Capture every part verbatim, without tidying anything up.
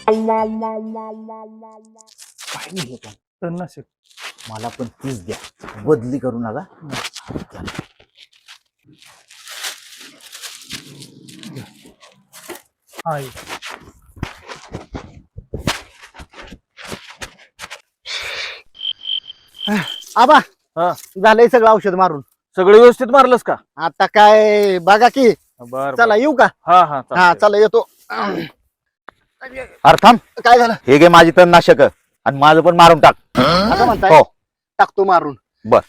काय नाही पण तणनाशक. मला पण तीच द्या, बदली करू नका. हाय. आबा हा. झालंय सगळं औषध मारून. सगळं व्यवस्थित मारलंस का? आता काय बघा की. बर चला येऊ का? हा हा हा चालतंय. चला येतो. अरे थांब, काय झालं हे घे माझी तणनाशक आणि माझं पण मारून टाक. आता म्हणताय? हो. टाकतो मारून. बर.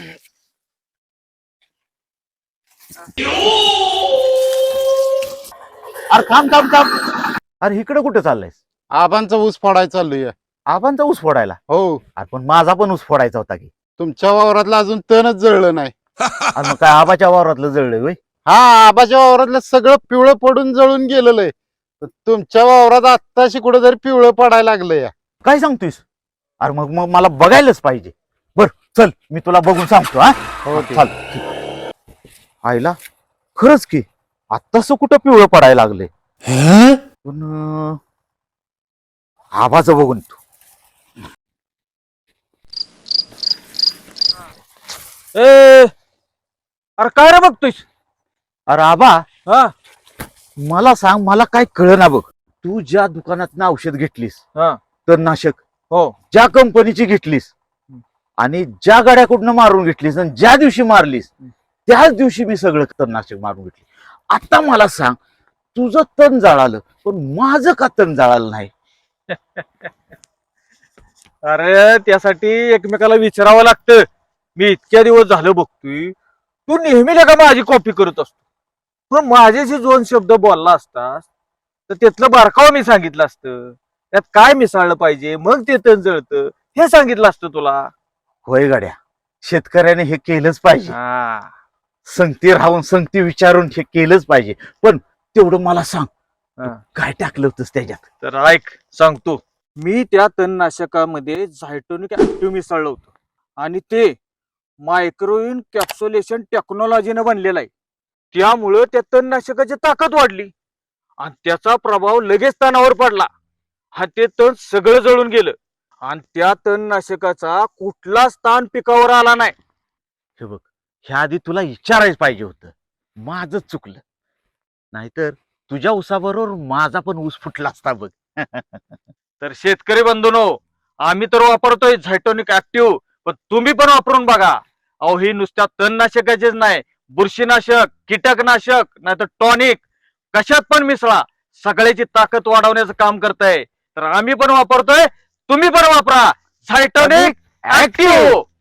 अरे थांब थांब थांब. अरे इकडे कुठे चाललायस? आबांचा ऊस फोडायचा चाललोय. आबांचा ऊस फोडायला? हो, अरे पण माझा पण ऊस फोडायचा होता की. तुमच्या वावरातलं अजून तणच जळलं नाही. अरे मग काय आबाच्या वावरातलं जळलंय होय? हा, आबाच्या वावरातलं सगळं पिवळं पडून जळून गेलेलं आहे. पण तुमच्या वावरात आत्ताशी कुठेतरी पिवळं पडायला लागलंय. काय सांगतोयस? अरे मग मग मला बघायलाच पाहिजे. बर चल, मी तुला बघून सांगतो. हा हो, चाल. आईला खरंच की आत्ताच कुठं पिवळं पडायला लागले. पण अं, आबाचं बघून तू. ए अरे काय रे बघतोयस? अरे आबा, हा मला सांग, मला काय कळना बघ. तू ज्या दुकानात औषध घेतलीस, हा तणनाशक, हो ज्या कंपनीची घेतलीस आणि ज्या गाड्याकडनं मारून घेतलीस आणि ज्या दिवशी मारलीस त्याच दिवशी मी सगळं तणनाशक मारून घेतली. आता मला सांग, तुझं तण जाळालं पण माझं का तण जाळालं नाही? अरे त्यासाठी एकमेकाला विचारावं लागतं. मी इतक्या दिवस झालं बघतोय, तू नेहमी का माझी कॉपी करत असतो. पण माझ्याशी दोन शब्द बोलला असतास तर त्यातलं बारकाव मी सांगितलं असतं. त्यात काय मिसळलं पाहिजे, मग ते तण जळतं हे सांगितलं असतं तुला. होय गाड्या, शेतकऱ्याने हे केलंच पाहिजे. हा संगती राहून संगती विचारून हे केलंच पाहिजे. पण तेवढं मला सांग, तू हा. काय टाकलं होतंस त्याच्यात? तर ऐक सांगतो. मी त्या तणनाशकामध्ये झायटोनिक ऍक्टिव्ह मिसळलं होतं आणि ते मायक्रोइन कॅप्सुलेशन टेक्नॉलॉजीनं बनलेलं आहे. त्यामुळं त्या तणनाशकाची ताकद वाढली आणि त्याचा प्रभाव लगेच तणावर पडला. हा ते तण सगळं जळून गेलं आणि त्या तणनाशकाचा कुठलाच ताण पिकावर आला नाही. हे बघ, ह्या आधी तुला विचारायच पाहिजे होतं. माझंच चुकलं. नाहीतर तुझ्या ऊसाबरोबर माझा पण ऊस फुटला असता बघ. तर शेतकरी बंधूंनो, आम्ही तर वापरतोय झायटोनिक ऍक्टिव्ह, पण तुम्ही पण वापरून बघा. अहो ही नुसत्या तणनाशकाचेच नाही, बुरशीनाशक, कीटकनाशक, नाहीतर टॉनिक, कशात पण मिसळा, सगळ्याची ताकद वाढवण्याचं काम करताय. तर आम्ही पण वापरतोय, तुम्ही पण वापरा झायटोनिक ऍक्टिव्ह.